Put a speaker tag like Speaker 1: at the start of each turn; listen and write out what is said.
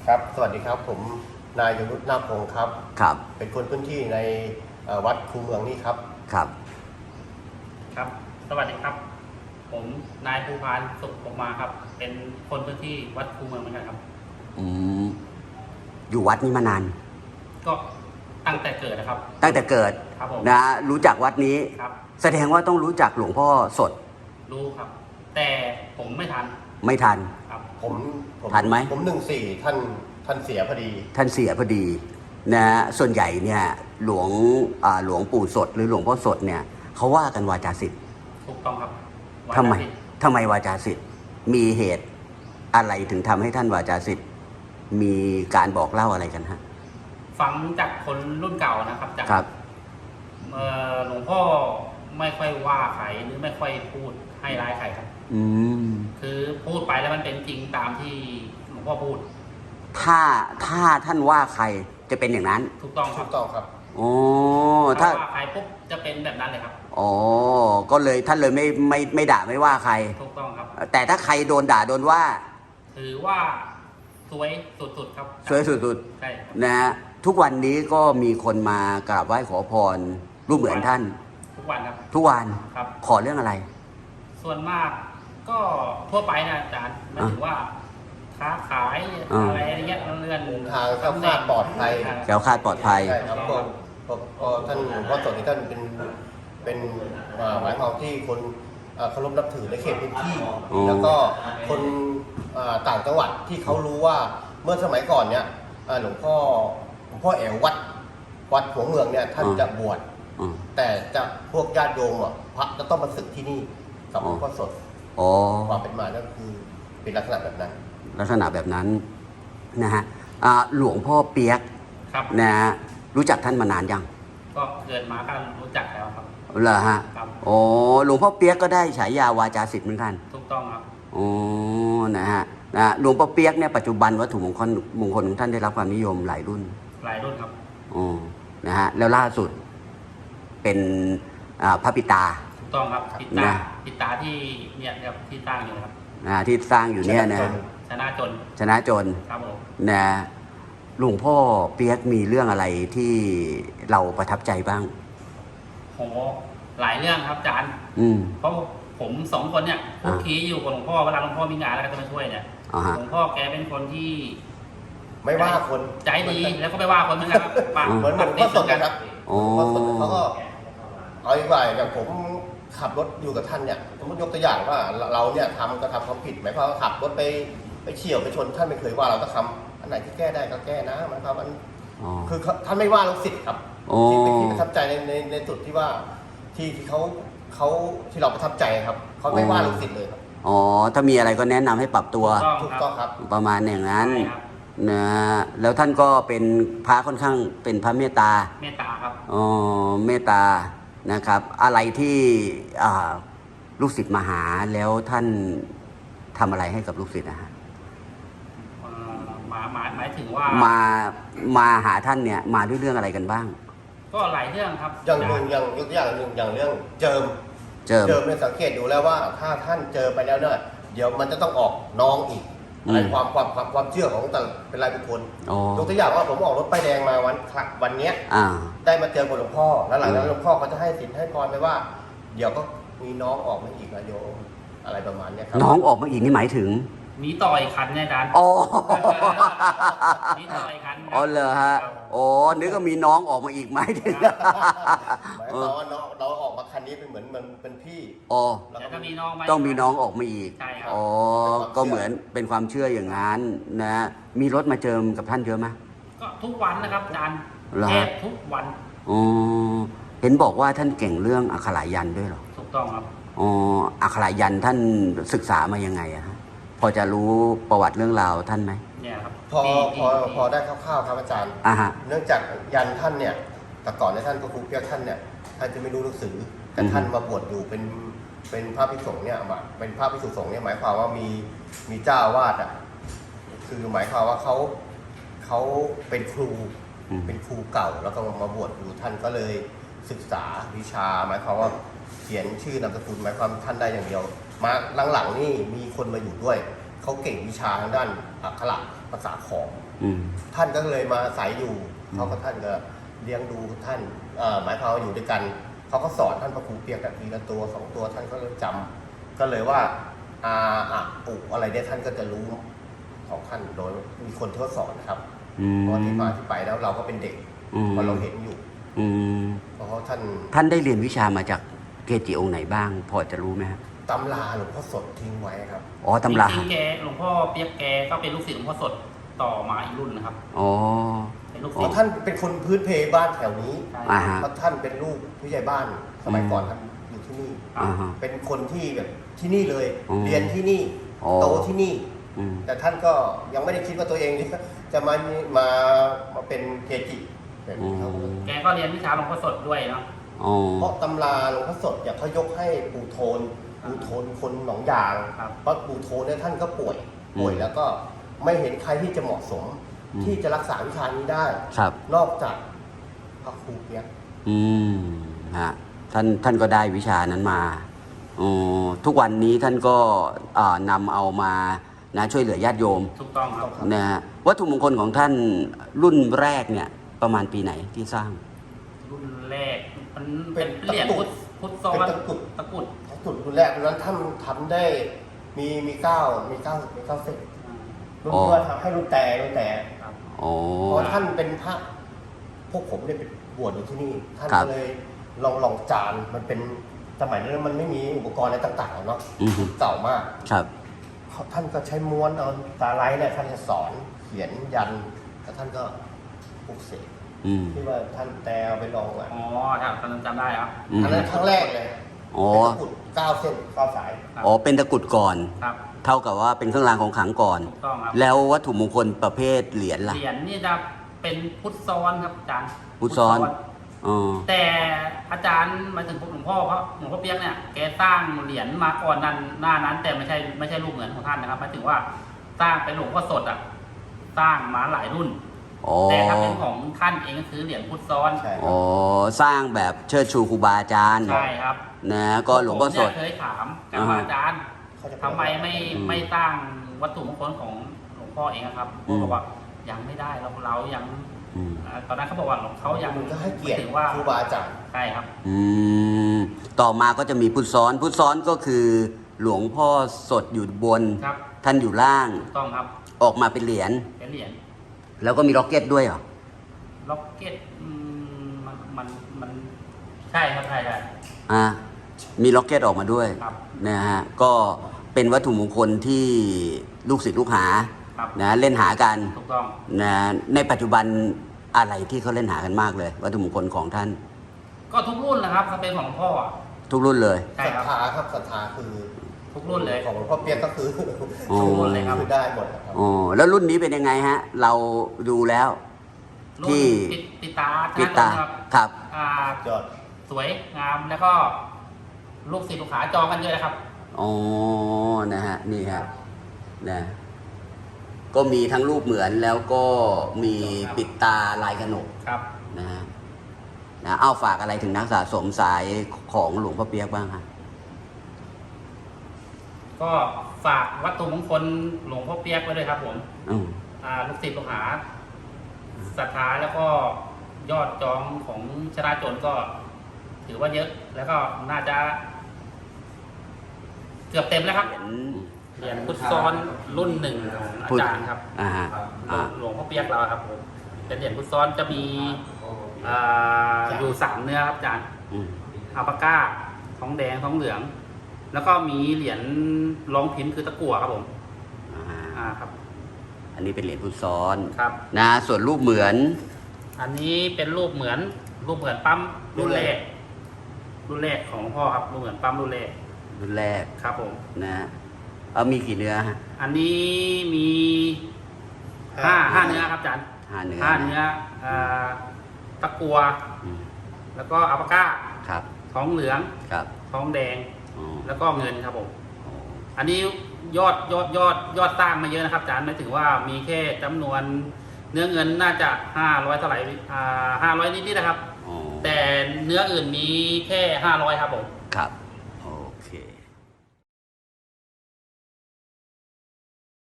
Speaker 1: ครับ สวัสดีครับ ผมนายยงยุทธนาคพงศ์ครับ
Speaker 2: ครับ
Speaker 1: เป็นคนพื้นที่ในวัดคูเมืองนี่ครับ
Speaker 2: ครับ
Speaker 3: ครับ สวัสดีครับ ผมนายภูพานสุขปกมาครับ เป็นคนพื้นที่วัดคูเมืองเหมือนกันครับ
Speaker 2: อืมอยู่วัดนี้มานาน
Speaker 3: ก็ตั้งแต่เกิดนะครับ
Speaker 2: ตั้งแต่เกิด
Speaker 3: ครับผม
Speaker 2: นะรู้จักวัดนี้
Speaker 3: ครับ
Speaker 2: แสดงว่าต้องรู้จักหลวงพ่อสด
Speaker 3: รู้ครับ แต่ผมไม่ทัน
Speaker 2: ไม่ทัน
Speaker 3: ครับ
Speaker 1: ผม
Speaker 2: ทันไหม
Speaker 1: ผม14ท่านเสียพอดี
Speaker 2: ท่านเสียพอดีนะส่วนใหญ่เนี่ยหลวงปู่สดหรือหลวงพ่อสดเนี่ยเขาว่ากันวาจาศิษย์
Speaker 3: ถูกต้องครับ
Speaker 2: ทำไม
Speaker 3: วันอาทิตย์
Speaker 2: ทำไมวาจาศิษย์มีเหตุอะไรถึงทำให้ท่านวาจาศิษย์มีการบอกเล่าอะไรกันฮะ
Speaker 3: ฟังจากคนรุ่นเก่านะครับจาก
Speaker 2: ครับ
Speaker 3: หลวงพ่อไม่ค่อยว่าใครหรือไม่ค่อยพูดให้ร้ายใครครับ
Speaker 2: อืม
Speaker 3: คือพูดไปแล้วมันเป็นจริงตามที่หลวงพ่อพูด
Speaker 2: ถ้าท่านว่าใครจะเป็นอย่างนั้น
Speaker 3: ถูกต้องค
Speaker 1: ถู
Speaker 3: รับ
Speaker 1: กต้องครับ
Speaker 2: โอ้
Speaker 3: ถ้า
Speaker 2: ถ้า
Speaker 3: ว่าใครปุ๊บจะเป็นแบบนั้นเลยครับ
Speaker 2: อ๋อก็เลยท่านเลยไม่ด่าไม่ว่าใคร
Speaker 3: ถูกต้องครับ
Speaker 2: แต่ถ้าใครโดนด่าโดนว่า
Speaker 3: ถือว่าสวยสุดๆครับ
Speaker 2: สวยสุด
Speaker 3: ใช่ครับ
Speaker 2: ๆนะฮะทุกวันนี้ก็มีคนมากราบไหว้ขอพรรูปเหมือนท่าน
Speaker 3: ทุกวันครับ
Speaker 2: ทุกวัน
Speaker 3: ครับ
Speaker 2: ขอเรื่องอะไร
Speaker 3: ส่วนมากก็ทั่วไปนะอาจารย์หมายถึงว่าค้าขาย
Speaker 2: อ่า
Speaker 3: อะไรอย่างเงี้ยเลื่อน
Speaker 1: ทางแคล้วคลาดปลอดภัย
Speaker 2: แคล้วคลาดปลอดภัย
Speaker 1: ใช่ครับก็ท่านหลวงพ่อสดนี่ท่านเป็นหมายความที่คนเคารพนับถือในเขตพื้นที่
Speaker 2: อ๋อ
Speaker 1: แล้วก็คนต่างจังหวัดที่เขารู้ว่าเมื่อสมัยก่อนเนี่ยหลวงพ่อแอ๋ววัดหัวเมืองเนี่ยท่านจะบวช
Speaker 2: อืม
Speaker 1: แต่จะพวกญาติโยมพระจะต้องมาศึกที่นี่กับหลวงพ่อสด
Speaker 2: อ๋อ
Speaker 1: ความเป็นมาก็คือเป็นลักษณะแบบนั้น
Speaker 2: ลักษณะแบบนั้นนะฮะหลวงพ่อเปียก
Speaker 3: ครับ
Speaker 2: นะฮะรู้จักท่านมานานยัง
Speaker 3: ก็เกิดมาก็รู้จักแล้วครับ
Speaker 2: เหรอฮะ
Speaker 3: ครับ
Speaker 2: โอ้หลวงพ่อเปียกก็ได้ฉายาวาจาศิษย์เหมือนกัน
Speaker 3: ถูกต้องครับ
Speaker 2: อ๋อนะฮะหลวงพ่อเปียกเนี่ยปัจจุบันวัตถุมงคลของท่านได้รับความนิยมหลายรุ่น
Speaker 3: หลายรุ่นครับ
Speaker 2: อ๋อนะฮะแล้วล่าสุดเป็นพระปิตา
Speaker 3: ถูกต้องครับปิด
Speaker 2: นะ
Speaker 3: ตาปิดตาที่เนี่ยครับที่ตั้งอยู่นะครับ
Speaker 2: ที่สร้างอยู่เนี่ยนะ
Speaker 3: ชนะจน
Speaker 2: ชนะจน
Speaker 3: ครับผม
Speaker 2: นะหลวงพ่อเปียกมีเรื่องอะไรที่เราประทับใจบ้าง
Speaker 3: โหหลายเรื่องครับอาจารย์
Speaker 2: อืม
Speaker 3: เพราะผมสองคนเนี่ย
Speaker 2: อ่า
Speaker 3: คุกคีอยู่กับหลวงพ่อเวลาหลวงพ่อมีงานแล้วก็จะมาช่วยเนี่ย
Speaker 2: อ๋อฮะ
Speaker 3: หลวงพ่อแกเป็นคนที่
Speaker 1: ไม่ว่าคน
Speaker 3: ใจดีแล้วก็ไม่ว่าคนเหมือนกันครับปาก
Speaker 1: เหมือนหลวงพ่อสดนะครับ
Speaker 2: อ๋อ
Speaker 1: หลวงพ่อสดเขาก็เอาอีกว่าอย่างผมขับรถอยู่กับท่านเนี่ยสมมติยกตัวอย่างว่าเราเนี่ยทำกระทำความผิดหมายความว่าขับรถไปเฉี่ยวไปชนท่านไม่เคยว่าเราต้องทำอันไหนที่แก้ได้ก็แก้นะหมายความว่า
Speaker 2: อ๋อ
Speaker 1: คือท่านไม่ว่าลูกศิษย์ครับ
Speaker 2: อ๋อ
Speaker 1: ที่เป็นที่ประทับใจในจุดที่ว่าที่เขาที่เราประทับใจครับเขาไม่ว่าลูกศิษย์เลยครับ
Speaker 2: อ๋อถ้ามีอะไรก็แนะนำให้ปรับตัว
Speaker 1: ถูกต้องครับ
Speaker 2: ประมาณอย่างนั้น
Speaker 3: ใช่ครับ
Speaker 2: นะแล้วท่านก็เป็นพระค่อนข้างเป็นพระเมตตา
Speaker 3: เมตตาครับ
Speaker 2: อ๋อเมตตานะครับ อะไรที่ลูกศิษย์มาหาแล้วท่านทำอะไรให้กับลูกศิษย์นะฮะ
Speaker 3: หมายถึงว่า
Speaker 2: มาหาท่านเนี่ยมาด้วยเรื่องอะไรกันบ้าง
Speaker 3: ก็หลายเรื่องครับ
Speaker 1: อย่างหนึ่งอย่างยกตัวอย่างหนึ่งอย่างเรื่องเจิม
Speaker 2: เจิม
Speaker 1: เนี่ยสังเกตดูแล้วว่าถ้าท่านเจอไปแล้วเนี่ยเดี๋ยวมันจะต้องออกน้องอีก
Speaker 2: อืม
Speaker 1: อะไรความเชื่อของแต่ละเป็นรายบุคคล
Speaker 2: อ๋อย
Speaker 1: กตัวอย่างว่าผมออกรถป้ายแดงมาวันเนี้ย
Speaker 2: อ่า
Speaker 1: ได้มาเจอกับหลวงพ่อแล้วหลังจากนั้นหลวงพ่อเขาจะให้สินให้พรไปว่า เดี๋ยวก็มีน้องออกมาอีกนะโยมอะไรประมาณเนี้ยครับ
Speaker 2: น้องออกมาอีกนี่หมายถึง
Speaker 3: มีต่อยคันเนี่ยอาจารย์
Speaker 2: อ๋อ
Speaker 3: มีต่อยคัน
Speaker 2: อ๋อเหรอฮะอ๋อนึกว่ามีน้องออกมาอีกหมายถึง
Speaker 1: หมายความว่าน้องเราออกมาคันนี้เป็นเหมือนมันเป็นพี่
Speaker 2: อ๋อ
Speaker 1: แล้ว
Speaker 3: แล้ว
Speaker 1: ก็
Speaker 3: ก็มีน้องไหม
Speaker 2: ต้องมีน้องออกมาอีก
Speaker 3: ใช่ครับ
Speaker 2: อ๋อ ก็เหมือนเป็นความเชื่ออย่างนั้นนะ มีรถมาเจิมกับท่านเยอะไหม
Speaker 3: ก็ทุกวันนะครับอาจารย์
Speaker 2: เหรอ
Speaker 3: แท
Speaker 2: ฮะ
Speaker 3: บทุกวัน
Speaker 2: อ๋อ เห็นบอกว่าท่านเก่งเรื่องอักขระยันต์ด้วยเหรอ
Speaker 3: ถูกต้องครับ
Speaker 2: อ๋อ อักขระยันต์ท่านศึกษามายังไงอะฮะ พอจะรู้ประวัติเรื่องราวท่านไหม
Speaker 3: เนี่ยครับ
Speaker 1: พอ
Speaker 3: ที่
Speaker 1: พอได้คร่าวๆครับอาจารย์
Speaker 2: อ่าฮะ
Speaker 1: เนื่องจากยันท่านเนี่ยแต่ก่อนในยท่านก็ครูเปียกท่านเนี่ยท่านจะไม่รู้หนังสือแต่
Speaker 2: อือฮึ
Speaker 1: ท่านมาบวชอยู่เป็นพระภิกษุสงฆ์เนี่ยมาเป็นพระภิกษุสงฆ์เนี่ยหมายความว่ามีเจ้าอาวาสอ่ะคือหมายความว่าเขาเป็นครู
Speaker 2: อืม
Speaker 1: เป็นครูเก่าแล้วก็มาบวชอยู่ท่านก็เลยศึกษาวิชา หมายความว่าเขียนชื่อนามสกุลหมายความท่านได้อย่างเดียว มาหลังๆนี่มีคนมาอยู่ด้วยเขาเก่งวิชาทางด้านอักขระภาษาขอม
Speaker 2: อืม
Speaker 1: ท่านก็เลยมาอาศัยอยู่เขาก็ท่านก็เลี้ยงดูท่านหมายความว่าอยู่ด้วยกันเขาก็สอนท่านพระครูเปียกกันทีละตัว2ตัวท่านก็เลยจำก็เลยว่าอุอะไรเนี่ยท่านก็จะรู้ของท่านโดยมีคนที่เขาสอนนะครับ เพราะที่มาที่ไปแล้วเราก็เป็นเด็กพอเราเห็นอยู่
Speaker 2: อืม
Speaker 1: เพราะท่าน
Speaker 2: ท่านได้เรียนวิชามาจากเกจิองค์ไหนบ้าง พอจะรู้ไหมครับ
Speaker 1: ตำราหลวงพ่อสดทิ้งไว้ครับ
Speaker 2: อ๋อตำรา
Speaker 3: จริงๆแกหลวงพ่อเปียกแกก็เป็นลูกศิษย์หลวงพ่อสดต่อมาอีกรุ่นนะครับ
Speaker 2: อ๋อ
Speaker 3: เป็นลูก
Speaker 1: เพ
Speaker 3: ศิษ
Speaker 1: ราะ
Speaker 3: ย์
Speaker 1: ท่านเป็นคนพื้นเพบ้านแถวนี้
Speaker 3: ใช่
Speaker 2: อ่าฮะ
Speaker 1: เพราะท่านเป็นลูกผู้ใหญ่บ้านสมัยก่อนท่านอยู่ที่นี่
Speaker 2: อ่าฮะ
Speaker 1: เป็นคนที่แบบที่นี่เลย
Speaker 2: อ๋อ
Speaker 1: เรียนที่นี่
Speaker 2: อ๋อ
Speaker 1: โตที่นี่
Speaker 2: อืม
Speaker 1: แต่ท่านก็ยังไม่ได้คิดว่าตัวเองจะมาเป็นเกจิแบบนี้ครับ
Speaker 3: แกก็เรียนวิชาหลวงพ่อสดด้วยเนาะ
Speaker 2: อ๋อ
Speaker 1: เพราะตำราหลวงพ่อสดอย่างเขายกให้ปู่โทนคนหนองยาง
Speaker 3: ครับ
Speaker 1: เพราะปู่โทนเนี่ยท่านก็ป่วยแล้วก็ไม่เห็นใครที่จะเหมาะสม ที่จะรักษาวิชานี้ได้
Speaker 2: ครับ
Speaker 1: นอกจากพระครูเปียก
Speaker 2: อืมฮะท่านก็ได้วิชานั้นมาอ๋อทุกวันนี้ท่านก็นำเอามานะช่วยเหลือญาติโยม
Speaker 3: ถูกต้องครับ
Speaker 2: นะฮะวัตถุมงคลของท่านรุ่นแรกเนี่ย ประมาณปีไหนที่สร้าง
Speaker 3: รุ่นแรกมันเป็นเหรียญพุทธซ้อน
Speaker 1: เป็นตะกรุด
Speaker 3: ตะกรุด
Speaker 1: จุดรุ่นแรกนั้นท่านทำได้มีเก้าเส้นรุ่นที่ว่าทำให้รุ่นแต่
Speaker 3: ครับ
Speaker 2: อ๋อ
Speaker 1: เพราะท่านเป็นพระพวกผมเนี่ยเป็นบวชอยู่ที่นี่ ท่าน
Speaker 2: ครับ
Speaker 1: ก็เลยลองจานมันเป็นสมัยนั้นมันไม่มีอุปกรณ์อะไรต่างๆเนาะ
Speaker 2: อือฮึ
Speaker 1: เก่ามาก
Speaker 2: ครับ
Speaker 1: ท่านก็ใช้ม้วนเอาตาไลท์เนี่ยท่านจะสอนเขียนยันแล้วท่านก็ปลุกเสก
Speaker 2: อืม
Speaker 1: ที่ว่าท่านแต่เอาไปลองอ่ะ
Speaker 3: อ๋อครับตอนนั้นจำได้ครับ
Speaker 2: อืม
Speaker 1: อันนั้นครั้งแรกเลย
Speaker 2: อ๋อ
Speaker 1: เป็นตะกรุด9 เส้น 9 สาย
Speaker 3: ครับ
Speaker 2: อ๋อเป็นตะกรุดก่อน
Speaker 3: ครับ
Speaker 2: เท่ากับว่าเป็นเครื่องรางของขลังก่อน
Speaker 3: ถูกต้องครับ
Speaker 2: แล้ววัตถุมงคลประเภทเหรียญล่ะ
Speaker 3: เหรียญนี่จะเป็นพุทธซ้อนครับอาจารย์
Speaker 2: พุทธซ้อน อ๋อ
Speaker 3: แต่อาจารย์หมายถึงหลวงพ่อหลวงพ่อเปียกเนี่ยแกสร้างเหรียญมาก่อนนั้นหน้านั้น แต่ไม่ใช่รูปเหมือนของท่านนะครับหมายถึงว่าสร้างเป็นหลวงพ่อสดอ่ะสร้างมาหลายรุ่น
Speaker 2: อ๋อ
Speaker 3: แต่ถ้าเป็นของท่านเองก็คือเหรียญพุทธซ้อน
Speaker 1: ใช่ค
Speaker 2: อ๋
Speaker 1: รั
Speaker 2: อบ สร้างแบบเชิดชูครูบาอาจารย์
Speaker 3: ใช่ครับ
Speaker 2: นะก็หลวงพ่อสด
Speaker 3: ผมเนี่ยเคยถามกับอาจารย์
Speaker 1: เขาจะ
Speaker 3: ทำไมไม่สร้างวัตถุมงคลของหลวงพ่อเองอะครับ
Speaker 2: อืม
Speaker 3: เขาบอกว่ายังไม่ได้เรายัง
Speaker 2: อืม
Speaker 3: ตอนนั้นเขาบอกว่าเขายัง
Speaker 1: มันก็ให้เกียรติ
Speaker 3: ไม่ถึงว่า
Speaker 1: ครูบาอาจารย์
Speaker 3: ใช่ครับ
Speaker 2: อืมต่อมาก็จะมีพุทธซ้อนพุทธซ้อนก็คือหลวงพ่อสดอยู่บน
Speaker 3: ครับ
Speaker 2: ท่านอยู่ล่าง
Speaker 3: ถูกต้องครับ
Speaker 2: ออกมาเป็นเหรียญ
Speaker 3: เป็นเหรียญ
Speaker 2: แล้วก็มีล็อกเก็ตด้วยเหรอ
Speaker 3: ล็อกเก็ตมันใช่ครับใช่
Speaker 2: อ่ามีล็อกเก็ตออกมาด้วย
Speaker 3: ครับ
Speaker 2: นะฮะก็เป็นวัตถุมงคลที่ลูกศิษย์ลูกหา
Speaker 3: ครับ
Speaker 2: นะเล่นหากัน
Speaker 3: ถูกต้อง
Speaker 2: นะในปัจจุบันอะไรที่เขาเล่นหากันมากเลย วัตถุมงคลของท่าน
Speaker 3: ก็ทุกรุ่นนะครับถ้าเป็นของหลวงพ่ออะ
Speaker 2: ทุกรุ่นเลย
Speaker 3: ใช่
Speaker 1: ศรัท
Speaker 3: ครับ
Speaker 1: ธาครับศรัทธาคือ
Speaker 3: ทุกรุ่นเลย
Speaker 1: ของหลวงพ่อเปียกก็คือ
Speaker 2: อ๋อ
Speaker 3: ทุกรุ่นเลยครับ
Speaker 1: คือได้หมดครับ
Speaker 2: อ๋อแล้วรุ่นนี้เป็นยังไงฮะ เราดูแล้ว
Speaker 3: รุ่น
Speaker 2: ที่
Speaker 3: ปิดตา
Speaker 2: ปิดตา
Speaker 3: ครับ
Speaker 2: ครับ
Speaker 1: ยอด
Speaker 3: สวยงามแล้วก็ลูกศิษย์ลูกหาจองกันเยอะนะครับ
Speaker 2: อ๋อนะฮะนี่ฮะนะก็มีทั้งรูปเหมือนแล้วก็มีปิดตาลายกระหนก
Speaker 3: ครับ
Speaker 2: นะฮะนะเอาฝากอะไรถึงนักสะสมสายของหลวงพ่อเปียกบ้างครับ
Speaker 3: ก็ฝากวัตถุมงคลหลวงพ่อเปียกไว้ด้วยครับผม
Speaker 2: อืม
Speaker 3: ลูกศิษย์ลูกหาศรัทธาแล้วก็ยอดจองของชนะจนก็ถือว่าเยอะ แล้วก็น่าจะ เกือบเต็มแล้วครับ เหรียญพุทธซ้อนรุ่นหนึ่งของอาจารย์ครับ
Speaker 2: อ่าฮะอ่า
Speaker 3: หลวงพ่อเปียกเราครับผมเป็นเหรียญพุทธซ้อนจะมีอยู่3เนื้อครับอาจารย์
Speaker 2: อืม
Speaker 3: อัลปาก้าท้องแดงท้องเหลือง แล้วก็มีเหรียญรองพิมพ์คือตะกั่วครับผม
Speaker 2: อ่า
Speaker 3: ครับ
Speaker 2: อันนี้เป็นเหรียญพุทธซ้อน
Speaker 3: ครับ
Speaker 2: นะส่วนรูปเหมือน
Speaker 3: อันนี้เป็นรูปเหมือนปั๊มรุ่นแรกของหลวงพ่อครับรูปเหมือนปั๊มรุ่นแรก
Speaker 2: รุ่นแรก
Speaker 3: ครับผม
Speaker 2: นะเอามีกี่เนื้อฮะ
Speaker 3: อันนี้มี5เนื้อครับอาจารย์
Speaker 2: 5 เนื้อ
Speaker 3: 5เนื้อตะกั่ว
Speaker 2: อืม
Speaker 3: แล้วก็อัลปาก้า
Speaker 2: ครับ
Speaker 3: ท้องเหลือง
Speaker 2: ครับ
Speaker 3: ท้องแดง
Speaker 2: อ๋อ
Speaker 3: แล้วก็เงินครับผม
Speaker 2: อ๋อ
Speaker 3: อันนี้ยอดสร้างมาเยอะนะครับอาจารย์ไม่ถึงว่ามีแค่จำนวนเนื้อเงินน่าจะ500เท่าไหร่500นิดๆนะครับ
Speaker 2: อ๋อ
Speaker 3: แต่เนื้ออื่นมีแค่500ครับผม
Speaker 2: ครับ